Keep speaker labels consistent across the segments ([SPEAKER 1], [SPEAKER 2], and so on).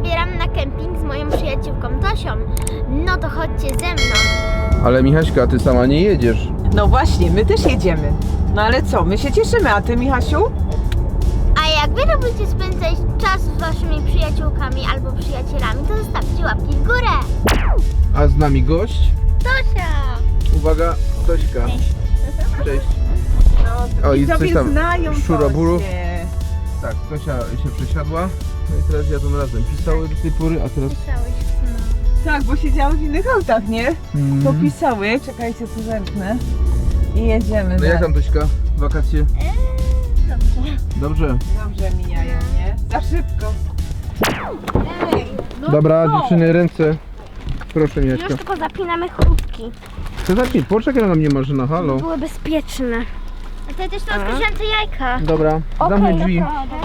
[SPEAKER 1] zabieram na kemping z moją przyjaciółką Tosią. No to chodźcie ze mną.
[SPEAKER 2] Ale Michaśka, ty sama nie jedziesz.
[SPEAKER 3] No właśnie, my też jedziemy. No ale co, my się cieszymy, a ty, Michasiu?
[SPEAKER 1] A jak wy lubicie spędzać czas z waszymi przyjaciółkami albo przyjacielami, to zostawcie łapki w górę.
[SPEAKER 2] A z nami gość?
[SPEAKER 1] Tosia!
[SPEAKER 2] Uwaga, Tośka. Cześć.
[SPEAKER 3] No,
[SPEAKER 2] O, i
[SPEAKER 3] widzowie
[SPEAKER 2] coś tam,
[SPEAKER 3] znają
[SPEAKER 2] szuroburu.
[SPEAKER 3] Tosię.
[SPEAKER 2] Tak, Tosia się przesiadła. No i teraz jadą razem. Pisały do tej pory, a teraz...
[SPEAKER 3] Tak, bo siedziały w innych autach, nie?
[SPEAKER 2] Mm.
[SPEAKER 3] Popisały, czekajcie, co zerknę. I jedziemy.
[SPEAKER 2] No jak
[SPEAKER 3] dalej.
[SPEAKER 2] tam Tośka? Wakacje? Dobrze.
[SPEAKER 3] Dobrze mijają, nie? Za szybko. Ej, no
[SPEAKER 2] Dobra,
[SPEAKER 3] co?
[SPEAKER 2] dziewczyny, ręce. Proszę, Michaśka.
[SPEAKER 1] Już tylko zapinamy chrupki.
[SPEAKER 2] Chcę zapić, poczekaj na mnie Marzyna, halo.
[SPEAKER 1] Były bezpieczne. A ty też to odkryłam te jajka.
[SPEAKER 2] Dobra, zamknij drzwi.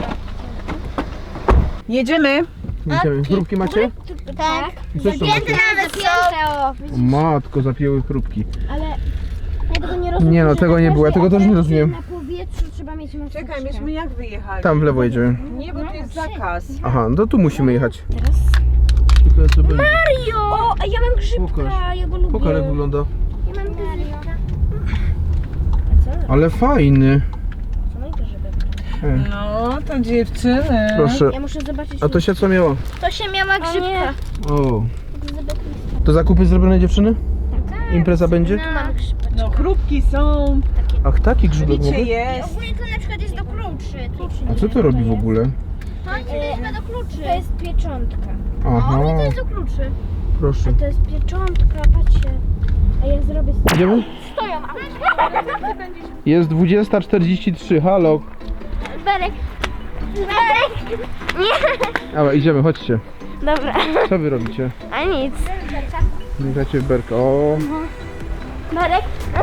[SPEAKER 3] Jedziemy.
[SPEAKER 2] Idziemy. Chrupki macie?
[SPEAKER 1] Tak.
[SPEAKER 2] I co jeszcze macie?
[SPEAKER 1] Nawet
[SPEAKER 2] O matko, zapięły chrupki.
[SPEAKER 1] Ale ja tego nie rozumiem.
[SPEAKER 2] Nie no, tego nie było, ja tego też nie rozumiem.
[SPEAKER 1] Na powietrzu trzeba mieć maseczkę.
[SPEAKER 3] Czekaj, myśmy jak wyjechali?
[SPEAKER 2] Tam w lewo jedziemy.
[SPEAKER 3] Nie, bo tu jest zakaz.
[SPEAKER 2] Aha, no to tu musimy jechać.
[SPEAKER 1] Teraz? Mario! O, a ja mam grzybka,
[SPEAKER 2] Pokaż.
[SPEAKER 1] ja go lubię.
[SPEAKER 2] Pokaż jak wygląda.
[SPEAKER 1] Ja mam grzybka.
[SPEAKER 2] Ale fajny.
[SPEAKER 1] Co mój grzybek?
[SPEAKER 3] No, to dziewczyny.
[SPEAKER 2] Proszę.
[SPEAKER 1] Ja muszę zobaczyć.
[SPEAKER 2] A Tosia co miała?
[SPEAKER 1] To się miała grzybka.
[SPEAKER 2] O. To zakupy zrobione dziewczyny? Impreza będzie?
[SPEAKER 1] Tu mam grzybek.
[SPEAKER 3] No, chrupki są.
[SPEAKER 2] Ach, taki grzybek
[SPEAKER 3] Wiecie,
[SPEAKER 2] mogę?
[SPEAKER 3] jest.
[SPEAKER 1] Ogólnie to na przykład jest do kluczy.
[SPEAKER 2] A co to robi w ogóle?
[SPEAKER 1] To jest do kluczy. To jest pieczątka.
[SPEAKER 2] Aha,
[SPEAKER 1] To jest do kluczy.
[SPEAKER 2] proszę.
[SPEAKER 1] To jest pieczątka, patrzcie. A ja zrobię...
[SPEAKER 2] Idziemy?
[SPEAKER 1] Stoją.
[SPEAKER 2] Jest 20:43, halo.
[SPEAKER 1] Berek. Berek. Nie.
[SPEAKER 2] Dobra, idziemy, chodźcie.
[SPEAKER 1] Dobra.
[SPEAKER 2] Co wy robicie?
[SPEAKER 1] A nic.
[SPEAKER 2] Gracie w berka. O,
[SPEAKER 1] Berek.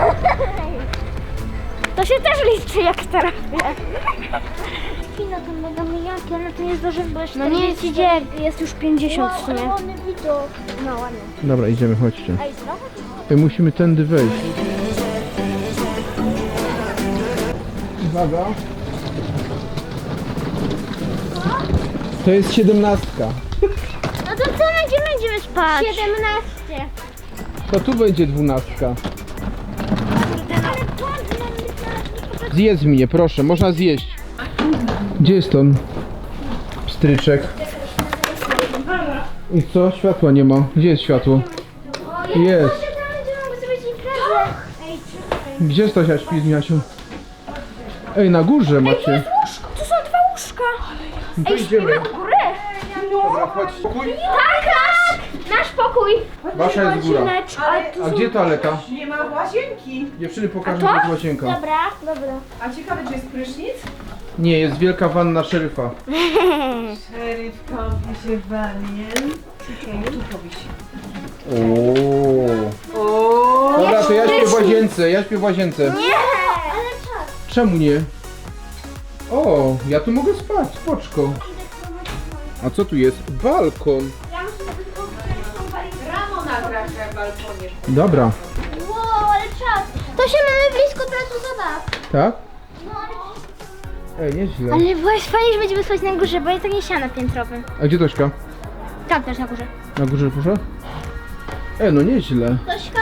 [SPEAKER 1] To się też liczy jak trafia. Kino to mega mijanki, ale to nie zdąży, bo jeszcze no nie idzie, jest już 50 w sumie. No ładnie.
[SPEAKER 2] dobra, idziemy, chodźcie.
[SPEAKER 1] Ej, znowu?
[SPEAKER 2] My musimy tędy wejść. Uwaga. To jest 17.
[SPEAKER 1] No to co będziemy spać? 17.
[SPEAKER 2] To tu będzie 12.
[SPEAKER 1] Ale patrz,
[SPEAKER 2] Zjedz mnie, proszę, można zjeść. Gdzie jest on? Pstryczek. I co? Światła nie ma. Gdzie jest światło? Jest. Gdzie Stasia śpi z Miasią? Ej, na górze macie.
[SPEAKER 1] Tu są 2 łóżka.
[SPEAKER 2] No to idziemy.
[SPEAKER 1] Góry.
[SPEAKER 2] Dobra, chodź. Pokój.
[SPEAKER 1] Tak, nasz pokój.
[SPEAKER 2] Wasza jest góra. A gdzie toaleta?
[SPEAKER 3] Nie ma łazienki.
[SPEAKER 2] Dziewczyny pokażę, gdzie jest łazienka.
[SPEAKER 1] Dobra, dobra.
[SPEAKER 3] A ciekawe, czy jest prysznic?
[SPEAKER 2] Nie, jest wielka wanna szeryfa.
[SPEAKER 3] Szeryf kąpi się w wannie. Tu powisi.
[SPEAKER 2] Ooo.
[SPEAKER 3] O,
[SPEAKER 2] Dobra, to ja śpię w łazience,
[SPEAKER 1] Nie, ale czas.
[SPEAKER 2] Czemu nie? O, ja tu mogę spać, spoczko. A co tu jest? Balkon.
[SPEAKER 1] Ja muszę sobie tylko wziąć
[SPEAKER 3] rano nagrasz na balkonie.
[SPEAKER 2] Dobra.
[SPEAKER 1] Wow, ale czas. To się mamy blisko placu zabaw.
[SPEAKER 2] Tak?
[SPEAKER 1] No,
[SPEAKER 2] Ej, nieźle.
[SPEAKER 1] ale właśnie fajnie, że będziemy spać na górze, bo jest takie siano piętrowe.
[SPEAKER 2] A gdzie Tośka?
[SPEAKER 1] Tam też na górze.
[SPEAKER 2] Na górze proszę? No nieźle.
[SPEAKER 1] Tośka!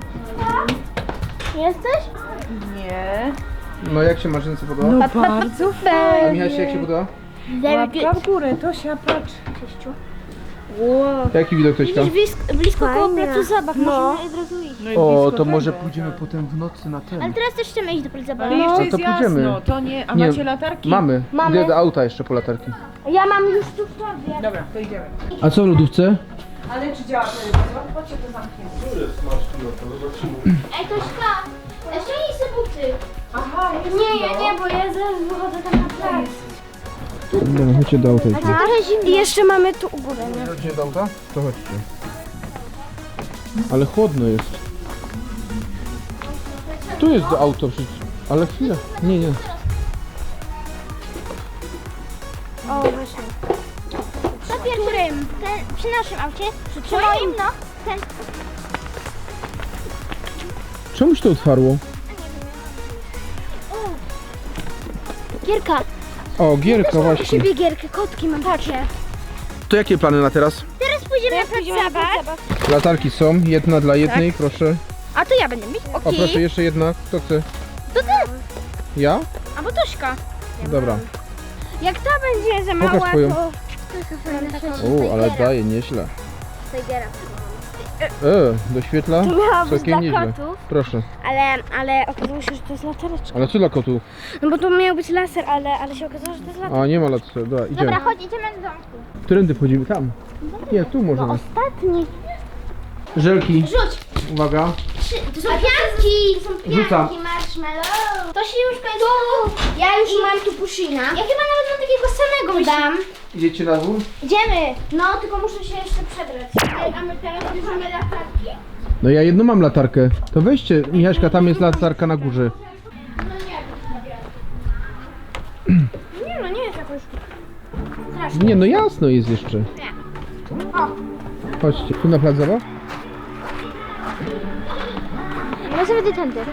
[SPEAKER 1] Jesteś?
[SPEAKER 3] Nie.
[SPEAKER 2] No jak się Marzynce podoba?
[SPEAKER 3] No bardzo
[SPEAKER 2] A
[SPEAKER 3] fajnie.
[SPEAKER 2] Michaś jak się podoba?
[SPEAKER 3] Łapka w górę, Tosia, patrz.
[SPEAKER 1] Wow.
[SPEAKER 2] Jaki widok Tośka?
[SPEAKER 1] Blisko koło placu zabaw, możemy od razu iść.
[SPEAKER 3] No i
[SPEAKER 2] O,
[SPEAKER 3] blisko
[SPEAKER 2] to
[SPEAKER 3] tego.
[SPEAKER 2] może pójdziemy potem w nocy na
[SPEAKER 1] Ale
[SPEAKER 2] ten.
[SPEAKER 1] teraz też chcemy iść do placu zabaw.
[SPEAKER 3] Ale jeszcze
[SPEAKER 2] to
[SPEAKER 3] jest
[SPEAKER 2] pójdziemy.
[SPEAKER 3] jasno, to nie. A
[SPEAKER 2] Nie,
[SPEAKER 3] macie latarki?
[SPEAKER 2] Mamy.
[SPEAKER 1] Mamy.
[SPEAKER 2] Idę do auta jeszcze po latarki.
[SPEAKER 1] Ja mam już tu w tobie.
[SPEAKER 3] Dobra, to idziemy.
[SPEAKER 2] A co w lodówce?
[SPEAKER 3] Ale czy działa telewizor? Chodźcie, to zamknięte.
[SPEAKER 1] Ej, Tośka, ściągnij sobie buty.
[SPEAKER 3] Aha, jest
[SPEAKER 1] Nie, ja nie, bo ja zaraz wychodzę tam na plac.
[SPEAKER 2] Dobra, chodźcie do auta.
[SPEAKER 1] Trochę zimno. I jeszcze mamy tu u góry, nie?
[SPEAKER 2] Chodźcie do auta? To chodźcie. Ale chłodno jest. Tu jest do auto przecież. Ale chwilę. Nie, nie.
[SPEAKER 1] O, właśnie. Na którym? Przy naszym aucie? Przy moim? No. Ten.
[SPEAKER 2] Czemuś to otwarło?
[SPEAKER 1] Gierka.
[SPEAKER 2] O, gierka właśnie.
[SPEAKER 1] Siebie gierkę, kotki mam, patrzcie.
[SPEAKER 2] To jakie plany na teraz?
[SPEAKER 1] Teraz pójdziemy na plac zabaw.
[SPEAKER 2] Latarki są, jedna dla jednej, proszę.
[SPEAKER 1] A to ja będę mieć?
[SPEAKER 2] O proszę, jeszcze jedna. Kto chce?
[SPEAKER 1] To ty.
[SPEAKER 2] Ja?
[SPEAKER 1] Albo Tośka.
[SPEAKER 2] Dobra.
[SPEAKER 1] Jak ta będzie za mała,
[SPEAKER 2] Pokaż swoją.
[SPEAKER 1] to...
[SPEAKER 2] O, ale daje, nieźle. Doświetla?
[SPEAKER 1] To miała być
[SPEAKER 2] Całkiem
[SPEAKER 1] dla
[SPEAKER 2] nieźle.
[SPEAKER 1] kotów.
[SPEAKER 2] Proszę.
[SPEAKER 1] Ale okazało się, że to jest latareczka.
[SPEAKER 2] Ale co dla kotów?
[SPEAKER 1] No bo to miał być laser, ale się okazało, że to jest latareczka.
[SPEAKER 2] A, nie ma latarki. Dobra, idziemy.
[SPEAKER 1] chodź, idziemy do domku.
[SPEAKER 2] Którędy wchodzimy? Tam. Nie, tu możemy.
[SPEAKER 1] Ostatni.
[SPEAKER 2] Żelki.
[SPEAKER 1] Rzuć.
[SPEAKER 2] Uwaga.
[SPEAKER 1] To są pianki. To są
[SPEAKER 2] Rzucam.
[SPEAKER 1] marshmallow. To się już kończy. Ja już mam tu pushina. Ja chyba nawet mam takiego samego dam.
[SPEAKER 2] Idziecie na dwór?
[SPEAKER 1] Idziemy. No, tylko muszę się jeszcze przebrać. A my teraz bierzemy latarki.
[SPEAKER 2] No ja jedną mam latarkę. To weźcie, Michaśka, tam jest latarka na górze.
[SPEAKER 1] Nie no, nie jest jakoś...
[SPEAKER 2] Nie, no jasno jest jeszcze.
[SPEAKER 1] O.
[SPEAKER 2] Chodźcie, tu na plac zabaw?
[SPEAKER 1] Ja sobie idę tędy.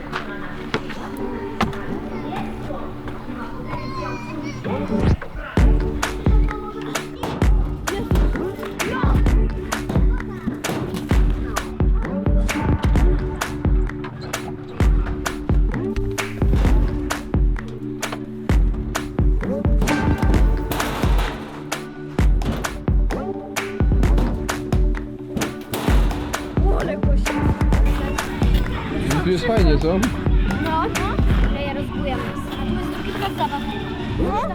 [SPEAKER 2] No tu jest fajnie, co?
[SPEAKER 1] No. Ale ja rozbujam. A tu jest drugi plac zabaw. No.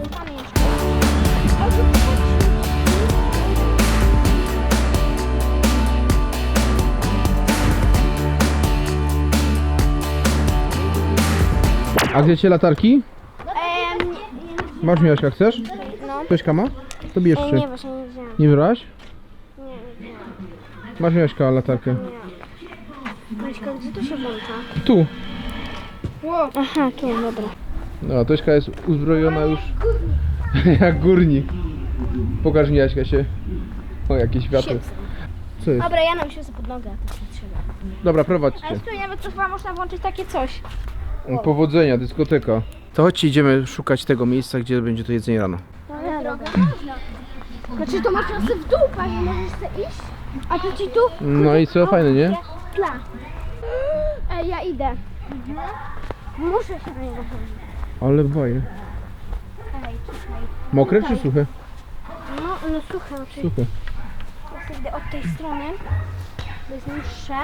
[SPEAKER 2] A gdzie cię latarki? Masz, Michaśka, chcesz?
[SPEAKER 1] No.
[SPEAKER 2] Tośka ma? To bierz
[SPEAKER 1] Nie,
[SPEAKER 2] się.
[SPEAKER 1] właśnie nie wziąłem.
[SPEAKER 2] Nie wybrałaś?
[SPEAKER 1] Nie.
[SPEAKER 2] Masz, Michaśka, latarkę.
[SPEAKER 1] Maćka, gdzie to się włącza?
[SPEAKER 2] Tu.
[SPEAKER 1] Aha, tu, dobra.
[SPEAKER 2] No, Tośka jest uzbrojona już jak górnik. Pokaż, Michaśka, się. O, jakie światło. Co jest?
[SPEAKER 1] Dobra, ja nam się pod nogę, a to się trzyma.
[SPEAKER 2] Dobra, prowadźcie.
[SPEAKER 1] Ale tu nawet to chyba można włączyć takie coś.
[SPEAKER 2] Powodzenia, dyskoteka. To chodźcie, idziemy szukać tego miejsca, gdzie będzie to jedzenie rano.
[SPEAKER 1] Droga można. Znaczy to masz sobie w dół, pani, możesz sobie iść? A to ci tu?
[SPEAKER 2] No i co, fajne, nie?
[SPEAKER 1] Tla. Ej, ja idę. Muszę się na niego chodzić.
[SPEAKER 2] Ale baje.
[SPEAKER 1] Ej, czekaj.
[SPEAKER 2] Mokre czy suche?
[SPEAKER 1] No słuchaj, oczywiście.
[SPEAKER 2] Suche.
[SPEAKER 1] Ja sobie idę od tej strony. To jest niższe.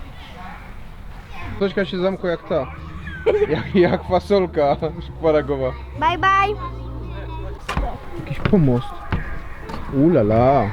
[SPEAKER 2] Tośka się zamkła jak ta. Jak fasolka szparagowa.
[SPEAKER 1] Bye, bye.
[SPEAKER 2] Jakiś pomost. Ulala.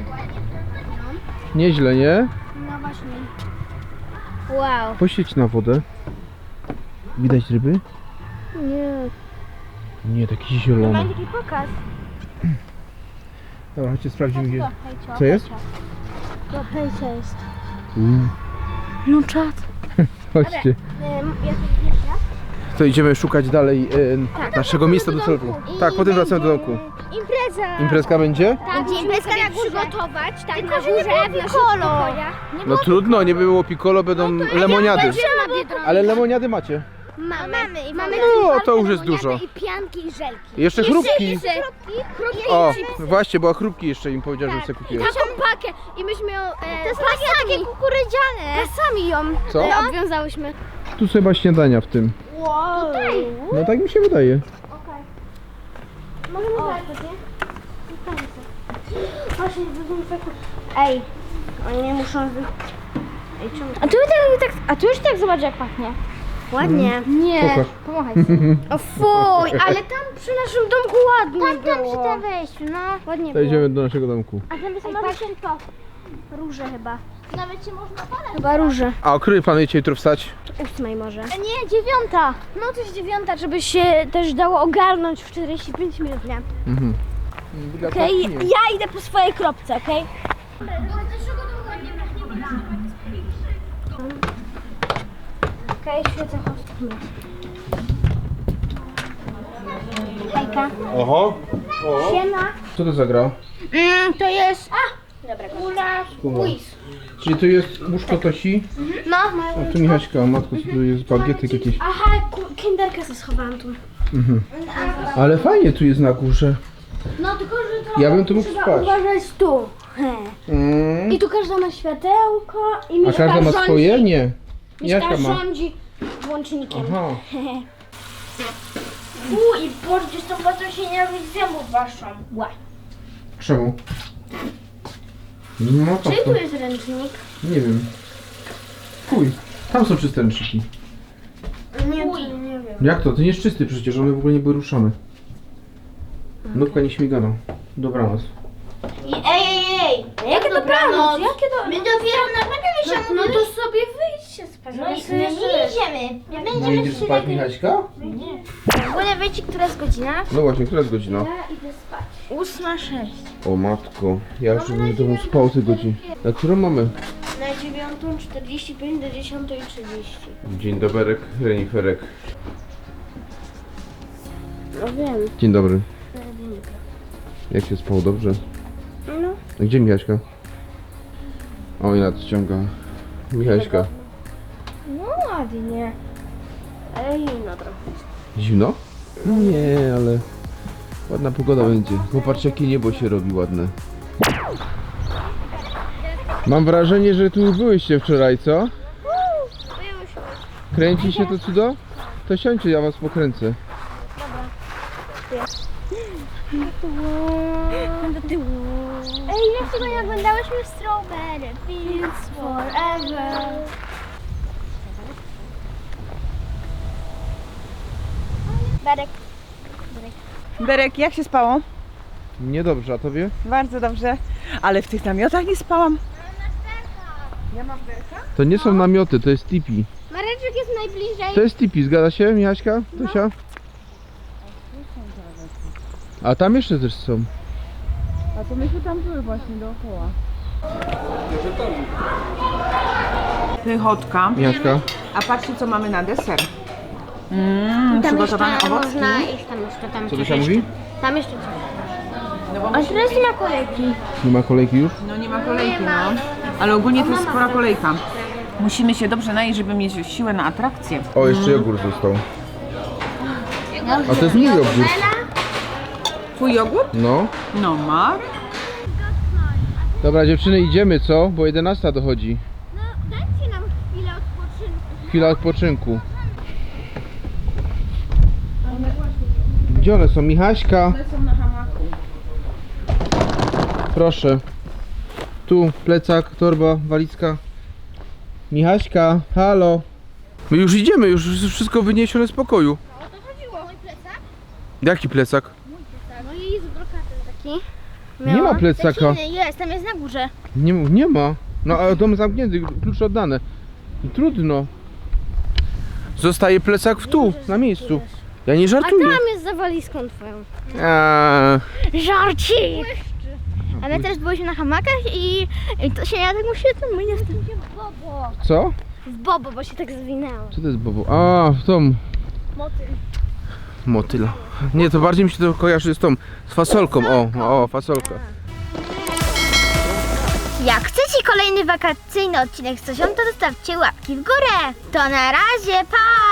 [SPEAKER 2] Nieźle, nie?
[SPEAKER 1] No właśnie. Wow.
[SPEAKER 2] Poświeć na wodę. Widać ryby?
[SPEAKER 1] Nie.
[SPEAKER 2] Nie, taki zielony.
[SPEAKER 1] Mam taki pokaz.
[SPEAKER 2] Dobra, chodźcie, sprawdzimy gdzie.
[SPEAKER 1] Hejcio,
[SPEAKER 2] Co jest?
[SPEAKER 1] To hejcia jest.
[SPEAKER 2] Uuu.
[SPEAKER 1] No czad.
[SPEAKER 2] Chodźcie.
[SPEAKER 1] Ja tu wiesz,
[SPEAKER 2] To idziemy szukać dalej naszego miejsca docelowego. Tak, potem wracamy do domku.
[SPEAKER 1] Impreza.
[SPEAKER 2] Imprezka będzie?
[SPEAKER 1] Tak, będziemy sobie przygotować, tak, na górze, w naszych pokojach.
[SPEAKER 2] No trudno, nie było piccolo, będą lemoniady. Ale lemoniady macie.
[SPEAKER 1] Mamy.
[SPEAKER 2] No, to już jest dużo.
[SPEAKER 1] I pianki, i żelki.
[SPEAKER 2] I jeszcze chrupki.
[SPEAKER 1] Chrupki.
[SPEAKER 2] O, właśnie, bo chrupki jeszcze im powiedziałem, że sobie kupiłem.
[SPEAKER 1] Taką pakę i myśmy ją takie kukurydziane. Pasami ją
[SPEAKER 2] Co?
[SPEAKER 1] obwiązałyśmy.
[SPEAKER 2] Tu chyba śniadania w tym.
[SPEAKER 1] Wow. Tutaj.
[SPEAKER 2] No tak mi się wydaje.
[SPEAKER 1] Możemy zobaczyć, nie? Właśnie, ej, oni nie muszą Ej, czemu? A tu już tak zobacz jak pachnie. Ładnie. Nie.
[SPEAKER 2] Pokaż.
[SPEAKER 1] Pomachaj sobie. O fuj, ale tam przy naszym domku ładnie było. Tam przy tym wejściu, no. Ładnie
[SPEAKER 2] To
[SPEAKER 1] było.
[SPEAKER 2] idziemy do naszego domku.
[SPEAKER 1] A tam jest to. Róże chyba. Nawet się można palać. Chyba róże.
[SPEAKER 2] A o której planujecie jutro wstać?
[SPEAKER 1] 8 może. Nie, 9. No to jest 9, żeby się też dało ogarnąć w 45 minut, nie?
[SPEAKER 2] Mhm.
[SPEAKER 1] Okej, ja idę po swojej kropce, okej? Okej, świecę chostkę. Hejka.
[SPEAKER 2] Oho.
[SPEAKER 1] Siema.
[SPEAKER 2] Co to za gra?
[SPEAKER 1] To jest... Dobra,
[SPEAKER 2] Kuma. Czyli tu jest łóżko Tosi,
[SPEAKER 1] No.
[SPEAKER 2] a tu Michaśka, matko, co tu jest bagietek jakieś.
[SPEAKER 1] Aha, kinderkę sobie schowałam tu.
[SPEAKER 2] Mhm. Ale fajnie tu jest na górze.
[SPEAKER 1] No tylko, że to
[SPEAKER 2] Ja bym tu mógł
[SPEAKER 1] trzeba
[SPEAKER 2] spać.
[SPEAKER 1] uważać tu.
[SPEAKER 2] Mm.
[SPEAKER 1] I tu każda ma światełko i
[SPEAKER 2] A każda ma swoje? Nie.
[SPEAKER 1] Mieszka
[SPEAKER 2] Jaka ma?
[SPEAKER 1] rządzi włącznikiem.
[SPEAKER 2] Aha.
[SPEAKER 1] I pordzisz to po co się nie robić zębów waszą. Ła.
[SPEAKER 2] Czemu? No po
[SPEAKER 1] Czyli
[SPEAKER 2] co?
[SPEAKER 1] tu jest ręcznik?
[SPEAKER 2] Nie wiem. Fuj. Tam są czyste ręczniki.
[SPEAKER 1] Nie, nie wiem.
[SPEAKER 2] Jak to? To nie jest czysty przecież, one w ogóle nie były ruszone. Nóbka nie śmigana. Dobranoc.
[SPEAKER 1] Ej! Jakie dobranoc? Jakie dobranoc? My dopiero naprawdę no to sobie wyjdźcie spać. No i my nie idziemy. Nie
[SPEAKER 2] No
[SPEAKER 1] będziemy
[SPEAKER 2] idziesz spać, Michaśka?
[SPEAKER 1] W ogóle wiecie, która jest godzina?
[SPEAKER 2] No właśnie, która jest godzina?
[SPEAKER 1] Ja idę spać. 8:06.
[SPEAKER 2] O matko, ja już bym w domu spał te godziny. Na którą mamy?
[SPEAKER 1] Na 9:45 do 10:30.
[SPEAKER 2] Dzień doberek, reniferek.
[SPEAKER 1] No wiem.
[SPEAKER 2] Dzień dobry. Jak się spało? Dobrze?
[SPEAKER 1] No.
[SPEAKER 2] A gdzie Michaśka? O, i nadciąga. Michaśka.
[SPEAKER 1] No ładnie. Ale zimno trochę.
[SPEAKER 2] Zimno? No nie, ale ładna pogoda będzie. Popatrzcie, jakie niebo się robi ładne. Mam wrażenie, że tu byłyście wczoraj, co? Kręci się to cudo? To siądźcie, ja was pokręcę.
[SPEAKER 1] Ej, jak tego nie oglądałyśmy w Strawberry Fields Forever. Berek.
[SPEAKER 3] Berek, jak się spało?
[SPEAKER 2] Niedobrze, a tobie?
[SPEAKER 3] Bardzo dobrze. Ale w tych namiotach nie spałam.
[SPEAKER 2] To nie są namioty, to jest tipi.
[SPEAKER 1] Mareczek jest najbliżej.
[SPEAKER 2] To jest tipi, zgadza się, Michaśka? Tosia? A tam jeszcze też są.
[SPEAKER 3] A to myśmy tam były właśnie dookoła. Pychotka.
[SPEAKER 2] Michaśka?
[SPEAKER 3] A patrzcie, co mamy na deser.
[SPEAKER 1] Tam
[SPEAKER 3] Przygotowane
[SPEAKER 1] jeszcze
[SPEAKER 3] owocki.
[SPEAKER 1] można iść, tam jeszcze, tam
[SPEAKER 2] Co
[SPEAKER 1] coś
[SPEAKER 2] Tosia mówi?
[SPEAKER 1] jeszcze. Tam jeszcze coś.
[SPEAKER 3] No, bo
[SPEAKER 1] A teraz nie ma kolejki.
[SPEAKER 2] Nie ma kolejki już?
[SPEAKER 3] no nie ma kolejki, no. Ale ogólnie to jest spora kolejka. Musimy się dobrze najeść, żeby mieć siłę na atrakcję.
[SPEAKER 2] O, jeszcze jogurt został. A to jest mój jogurt.
[SPEAKER 3] Twój jogurt?
[SPEAKER 2] No.
[SPEAKER 3] No ma.
[SPEAKER 2] Dobra dziewczyny, idziemy co? Bo 11 dochodzi.
[SPEAKER 1] No dajcie nam chwilę odpoczynku.
[SPEAKER 2] Chwila odpoczynku. Gdzie one są? Michaśka?
[SPEAKER 3] One są na hamaku.
[SPEAKER 2] Proszę. Tu plecak, torba, walizka. Michaśka, halo. My już idziemy, już wszystko wyniesione z pokoju.
[SPEAKER 1] O to chodziło. Mój plecak?
[SPEAKER 2] Jaki plecak?
[SPEAKER 1] No i jest brokatem taki.
[SPEAKER 2] Nie ma plecaka.
[SPEAKER 1] Taki inny jest, tam jest na górze.
[SPEAKER 2] Nie ma. No a dom zamknięty, klucze oddane. Trudno. Zostaje plecak tu, na miejscu. Ja nie
[SPEAKER 1] A
[SPEAKER 2] żartuję.
[SPEAKER 1] tam jest za walizką twoją. Żarcik! A my też byliśmy na hamakach i to się ja tak musiałem, my nie w bobo.
[SPEAKER 2] Co?
[SPEAKER 1] W bobo, bo się tak zwinęło.
[SPEAKER 2] Co to jest bobo? A, w tą
[SPEAKER 1] Motyl.
[SPEAKER 2] motyla. Nie, to bardziej mi się to kojarzy z tą, z fasolką. O, fasolka.
[SPEAKER 1] Jak chcecie kolejny wakacyjny odcinek z Tosią, to zostawcie łapki w górę. To na razie, pa!